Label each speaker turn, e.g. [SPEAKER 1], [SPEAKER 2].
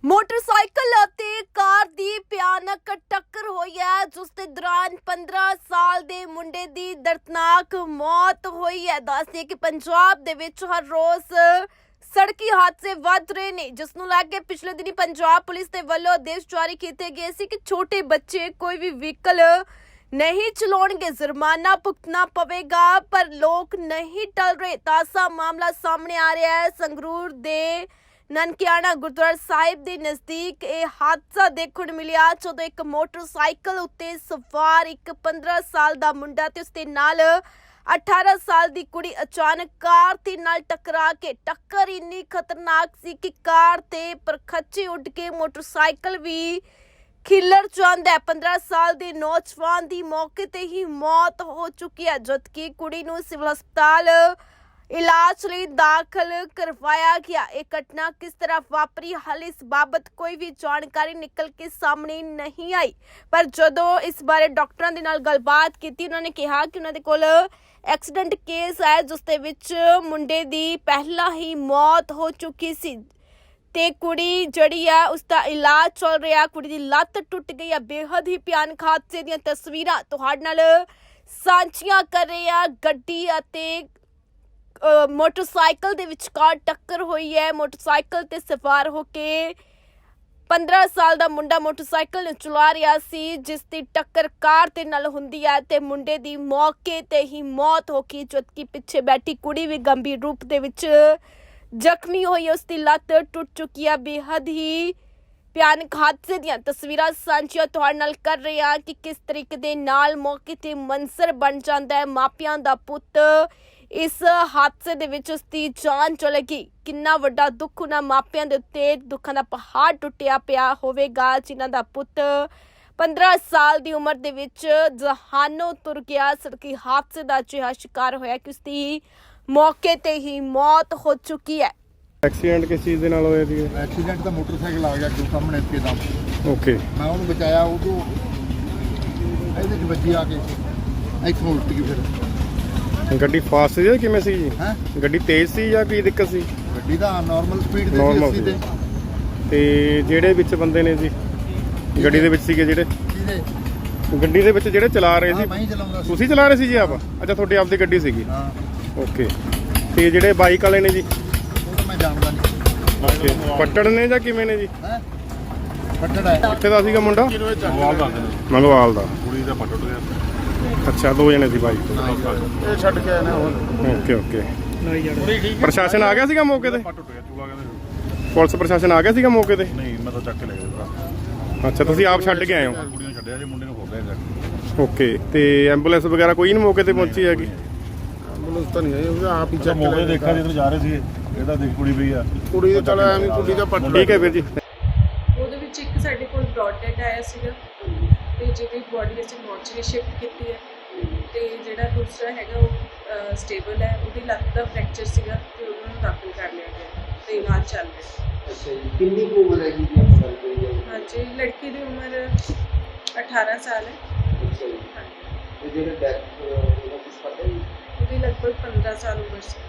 [SPEAKER 1] Motorcycle ਅਤੇ ਕਾਰ ਦੀ ਭਿਆਨਕ ਟੱਕਰ ਹੋਈ ਹੈ ਜਿਸ ਦੇ ਦੌਰਾਨ 15 ਸਾਲ ਦੇ ਮੁੰਡੇ ਦੀ ਦਰਦਨਾਕ ਮੌਤ ਹੋਈ ਹੈ। ਦੱਸਦੇ ਕਿ ਪੰਜਾਬ ਦੇ ਵਿੱਚ ਹਰ ਰੋਜ਼ ਸੜਕੀ ਹਾਦਸੇ ਵੱਧ ਰਹੇ ਨੇ, ਜਿਸ ਨੂੰ ਲੈ ਕੇ ਪਿਛਲੇ ਦਿਨੀ ਪੰਜਾਬ ਪੁਲਿਸ ਦੇ ਵੱਲੋਂ ਆਦੇਸ਼ ਜਾਰੀ ਕੀਤੇ ਗਏ ਸੀ ਕਿ ਛੋਟੇ ਬੱਚੇ ਕੋਈ ਵੀ ਵਹੀਕਲ नहीं चलाउणगे, जुर्माना भुगतना पवेगा। पर लोग नहीं टल रहे। ताज़ा मामला सामने आ रहा है संगरूर दे ननकियाना गुरुद्वारा साहिब के नज़दीक यह हादसा देखने को मिलिया जदों एक मोटरसाइकिल उत्ते सवार एक 15 साल का मुंडा ते उसदे नाल 18 साल की कुड़ी अचानक कार ते नाल टकरा के टक्कर इन्नी खतरनाक सी कि कार ते परखच्चे उड़ के मोटरसाइकिल भी खिलर जाता है। 15 साल के नौजवान की मौके ते ही मौत हो चुकी है, जबकि कुड़ी नूं सिविल हस्पताल इलाज लई दाखिल करवाया गया। एक घटना किस तरह वापरी, हाले इस बाबत कोई भी जानकारी निकल के सामने नहीं आई। पर जदों इस बारे डॉक्टरां दे नाल गलबात कीती, उन्होंने कहा कि उन्हां दे कोल एक्सीडेंट केस है जिस दे विच मुंडे दी पहला ही मौत हो चुकी सी ते कुड़ी जड़ी है उसका इलाज चल रहा। कुड़ी दी लत्त टुट गई है। बेहद ही भयानक हादसे दी तस्वीरां तुहाडे नाल सांझियां कर रहे हैं। गड्डी अते मोटरसाइकिल दे विचकार टक्कर हुई है। मोटरसाइकिल ते सवार होके 15 साल का मुंडा मोटरसाइकिल चला रहा सी, जिस दी टक्कर कार ते नाल हुंदी है ते मुंडे दी मौके ते ही मौत हो गई, जबकि पिछे बैठी कुड़ी भी गंभीर रूप दे विच जख्मी हुई है। उसकी लत्त टुट चुकी है। बेहद ही भयानक हादसे दी तस्वीरां सांझियां तुहाडे नाल कर रहे हैं कि किस तरीके दे नाल मौके ते मंजर बन जाता है। मापियां दा पुੱਤ इस हादसे दे विच उसकी जान चले गई। किन्ना वड्डा दुख उन्हां मापियां दे उत्ते दुखां दा पहाड़ टुटिया पिया होवेगा, जिन्हां दा पुੱਤ 15 साल की उम्र दे विच जहानों तुर गया। सड़की हादसे का अजिहा शिकार होया कि उसकी मौके ते ही मौत हो चुकी है।
[SPEAKER 2] एक्सीडेंट किस चीज़ दे नाल होया सी?
[SPEAKER 3] एक्सीडेंट तो मोटरसाइकिल आ गया जो सामने एकदम।
[SPEAKER 2] ओके,
[SPEAKER 3] मैं उन्हें बचाया, वो तो ਇਹਦੇ ਚ ਵੱਜੀ ਆ ਕੇ ਇੱਥੋਂ ਉਲਟ ਗਈ। ਫਿਰ
[SPEAKER 2] ਗੱਡੀ ਫਾਸਟ ਸੀ ਜਾਂ ਕਿਵੇਂ ਸੀ ਜੀ?
[SPEAKER 3] ਹੈ
[SPEAKER 2] ਗੱਡੀ ਤੇਜ਼ ਸੀ ਜਾਂ ਕੀ ਦਿੱਕਤ ਸੀ?
[SPEAKER 3] ਗੱਡੀ ਦਾ ਨਾਰਮਲ ਸਪੀਡ ਤੇ
[SPEAKER 2] Normal
[SPEAKER 3] ਸੀ।
[SPEAKER 2] ਸੀ। ਤੇ ਜਿਹੜੇ ਵਿੱਚ ਬੰਦੇ ਨੇ ਜੀ ਗੱਡੀ ਦੇ ਵਿੱਚ ਸੀਗੇ, ਜਿਹੜੇ
[SPEAKER 3] ਕਿਹਦੇ
[SPEAKER 2] ਗੱਡੀ ਦੇ ਵਿੱਚ ਜਿਹੜੇ ਚਲਾ ਰਹੇ
[SPEAKER 3] ਹਾਂ,
[SPEAKER 2] ਸੀ,
[SPEAKER 3] ਮੈਂ ਹੀ ਚਲਾਉਂਦਾ ਸੀ।
[SPEAKER 2] ਤੁਸੀਂ ਚਲਾ ਰਹੇ ਸੀ ਜੀ ਆਪ? ਅੱਛਾ, ਤੁਹਾਡੀ ਆਪਦੀ ਗੱਡੀ ਸੀਗੀ।
[SPEAKER 3] ਹਾਂ,
[SPEAKER 2] ਓਕੇ। ਤੇ ਜਿਹੜੇ ਬਾਈਕ ਵਾਲੇ ਨੇ ਜੀ,
[SPEAKER 3] ਉਹ ਤਾਂ ਮੈਂ ਜਾਣਦਾ ਨਹੀਂ।
[SPEAKER 2] ਓਕੇ, ਪੱਟੜ ਨੇ ਜਾਂ ਕਿਵੇਂ ਨੇ ਜੀ?
[SPEAKER 3] ਹੈ ਪੱਟੜ ਹੈ।
[SPEAKER 2] ਕਿੱਥੇ ਦਾ ਸੀਗਾ ਮੁੰਡਾ? ਮੰਗਵਾਲ ਦਾ।
[SPEAKER 4] ਕੁੜੀ ਦਾ ਪੱਟ ਗਿਆ।
[SPEAKER 2] ਅੱਛਾ, ਦੋ ਜਣੇ ਸੀ ਬਾਈਕ।
[SPEAKER 4] ਇਹ ਛੱਡ ਕੇ ਆਏ ਨੇ ਹੁਣ।
[SPEAKER 2] Okay okay. ਪ੍ਰਸ਼ਾਸਨ ਆ ਗਿਆ ਸੀਗਾ ਮੌਕੇ ਤੇ?
[SPEAKER 4] ਪੱਟ ਟੁੱਟ ਗਿਆ, ਚੂਲਾ ਕਹਿੰਦੇ।
[SPEAKER 2] ਪੁਲਿਸ ਪ੍ਰਸ਼ਾਸਨ ਆ ਗਿਆ ਸੀਗਾ ਮੌਕੇ ਤੇ?
[SPEAKER 4] ਨਹੀਂ, ਮੈਂ ਤਾਂ ਚੱਕ ਕੇ ਲੈ ਗਿਆ ਭਰਾ।
[SPEAKER 2] ਅੱਛਾ, ਤੁਸੀਂ ਆਪ ਛੱਡ ਕੇ ਆਏ ਹੋ?
[SPEAKER 4] ਕੁੜੀ ਨੂੰ ਛੱਡਿਆ ਜੀ, ਮੁੰਡੇ ਨੂੰ ਹੋ ਗਿਆ ਜਾ।
[SPEAKER 2] ਓਕੇ। ਤੇ ਐਂਬੂਲੈਂਸ ਵਗੈਰਾ ਕੋਈ ਨਹੀਂ ਮੌਕੇ ਤੇ ਪਹੁੰਚੀ ਹੈਗੀ?
[SPEAKER 4] ਐਂਬੂਲੈਂਸ ਤਾਂ ਨਹੀਂ ਆਈ, ਉਹ ਆਪ ਹੀ ਚੱਕ ਕੇ ਲੈ ਦੇਖਿਆ ਜਦੋਂ ਜਾ ਰਹੇ ਸੀ। ਇਹਦਾ ਦੇਖ ਕੁੜੀ ਪਈ ਆ,
[SPEAKER 2] ਕੁੜੀ ਦੇ ਚਲ ਐਵੇਂ ਕੁੜੀ ਦਾ ਪੱਟ। ਠੀਕ ਹੈ ਵੀਰ ਜੀ।
[SPEAKER 5] ਉਹਦੇ ਵਿੱਚ ਇੱਕ ਸਾਡੇ ਕੋਲ ਬ੍ਰੌਡ ਡੈਡ ਆਇਆ ਸੀਗਾ ਤੇ ਜਿਹਦੀ ਬੋਡੀ ਅਸੀਂ ਮੋਰਚਰੀ ਸ਼ਿਫਟ ਕੀਤੀ ਹੈ ਤੇ ਜਿਹੜਾ ਦੂਸਰਾ ਹੈਗਾ ਉਹ ਸਟੇਬਲ ਹੈ। ਉਹਦੀ ਲੱਤ ਦਾ ਫ੍ਰੈਕਚਰ ਸੀਗਾ ਤੇ ਉਹਨਾਂ ਨੂੰ ਦਾਖਲ ਕਰ ਲਿਆ ਗਿਆ ਤੇ ਇਲਾਜ ਚੱਲ ਰਿਹਾ।
[SPEAKER 6] ਅੱਛਾ ਜੀ, ਕਿੰਨੀ ਕੁ ਉਮਰ ਹੈਗੀ ਜੀ ਆਪਾਂ ਗੱਲ ਕਰੀਏ?
[SPEAKER 5] ਹਾਂਜੀ, ਲੜਕੀ ਦੀ ਉਮਰ 18 ਸਾਲ ਹੈ।
[SPEAKER 6] ਅੱਛਾ ਜੀ,
[SPEAKER 5] ਹਾਂਜੀ,
[SPEAKER 6] ਤੇ ਜਿਹੜਾ ਡੈਥ ਉਹਦਾ ਕੁਛ ਪਤਾ ਜੀ?
[SPEAKER 5] ਉਹਦੀ ਲਗਭਗ 15 ਸਾਲ ਉਮਰ ਸੀ।